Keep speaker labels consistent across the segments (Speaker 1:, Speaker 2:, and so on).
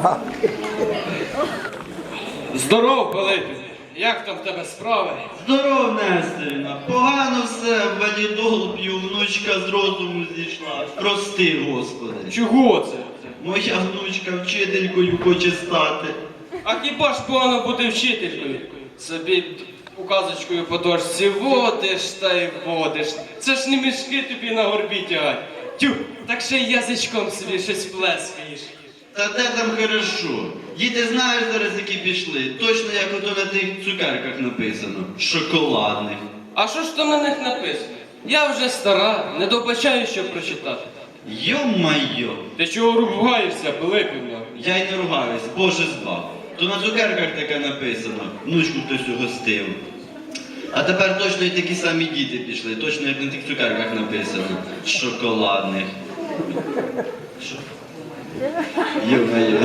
Speaker 1: Здоров, Пилипів! Як там в тебе справи?
Speaker 2: Здоров, Нестерівна. Погано все, валідол п'ю, внучка з розуму зійшла. Прости, Господи.
Speaker 1: Чого це?
Speaker 2: Моя внучка вчителькою хоче стати.
Speaker 1: А хіба ж погано бути вчителькою? Собі указочкою по дошці водиш та й водиш. Це ж не мішки тобі на горбі тягать. Тю, так ще й язичком собі щось плескаєш.
Speaker 2: Та де там хорошо? Діти знають зараз, які пішли. Точно як ото на тих цукерках написано. Шоколадних.
Speaker 1: А що ж там на них написано? Я вже стара, не добачаю, щоб прочитати.
Speaker 2: Йо-майо.
Speaker 1: Ти чого ругаєшся, Пилипівна?
Speaker 2: Я й не ругаюсь, Боже збав. То на цукерках таке написано. Внучку хтось угостив. А тепер точно і такі самі діти пішли. Точно як на тих цукерках написано. Шоколадних. Що? Йо-майо.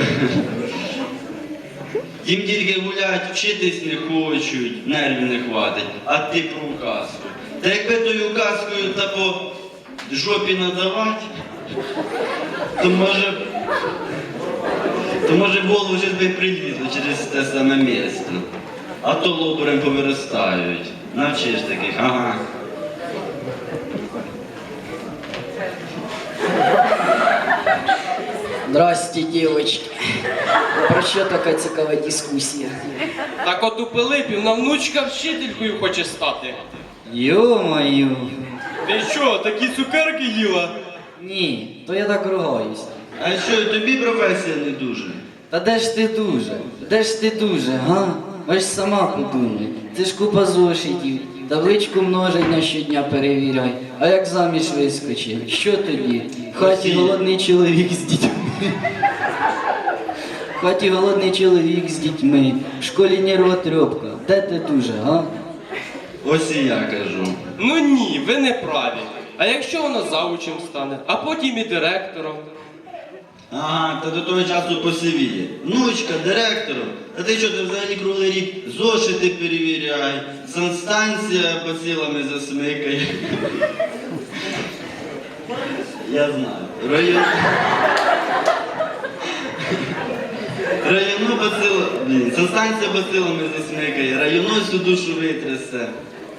Speaker 2: Їм тільки гулять, вчитись не хочуть, нервів не хватить, а ти про указку. Та якби тою указкою та по жопі надавати, то може голову вже би прилізло через те саме місце. А то лобурем повиростають. Навчиш таких, ага.
Speaker 3: Здрасте, девочки. Про що така цікава дискусія?
Speaker 1: Так от у Пилипівна внучка вчителькою хоче стати.
Speaker 3: Ё-моё.
Speaker 1: Ти що, такі цукерки їла?
Speaker 3: Ні, то я так ругаюсь.
Speaker 2: А що, і тобі професія не дуже?
Speaker 3: Та де ж ти дуже? Де ж ти дуже, га? Ось сама подумай. Це ж купа зошитів. Табличку множення щодня перевіряй. А як заміж вискочив? Що тоді? В хаті голодний чоловік з дітьми. В хаті голодний чоловік з дітьми. В школі нервотрепка. Де ти дуже, га?
Speaker 2: Ось і я кажу.
Speaker 1: Ну ні, ви не праві. А якщо вона заучем стане, а потім і директором?
Speaker 2: Ага, та до того часу посивіє. Внучка, директором. Та ти що, ти взагалі круглий рік зошити перевіряй, санстанція бацилами засмикає. Я знаю. Району бацило... Блін, санстанція бацилами засмикає, району всю душу витрясе.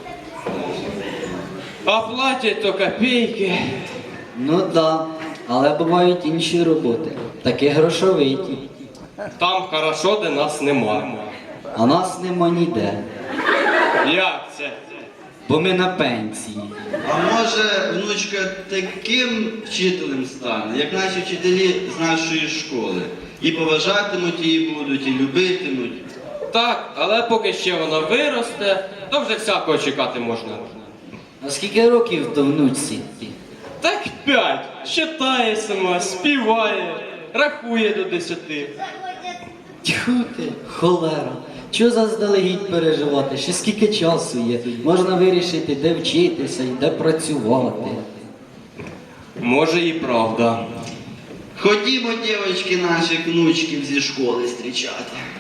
Speaker 1: А платять то копійки.
Speaker 3: Ну да, але бувають інші роботи. Такі грошовиті.
Speaker 1: Там хорошо, де нас нема.
Speaker 3: А нас нема ніде.
Speaker 1: Як це?
Speaker 3: Бо ми на пенсії.
Speaker 2: А може, внучка таким вчителем стане, як наші вчителі з нашої школи. І поважатимуть її будуть, і любитимуть.
Speaker 1: Так, але поки ще вона виросте, то вже всякого чекати можна.
Speaker 3: А скільки років то внучці?
Speaker 1: Так 5. Читає сама, співає, рахує до 10.
Speaker 3: Тьху ти, холера. Чого заздалегідь переживати? Ще скільки часу є? Можна вирішити, де вчитися і де працювати.
Speaker 1: Може і правда.
Speaker 2: Ходімо, дівчатки, наших внучків зі школи зустрічати.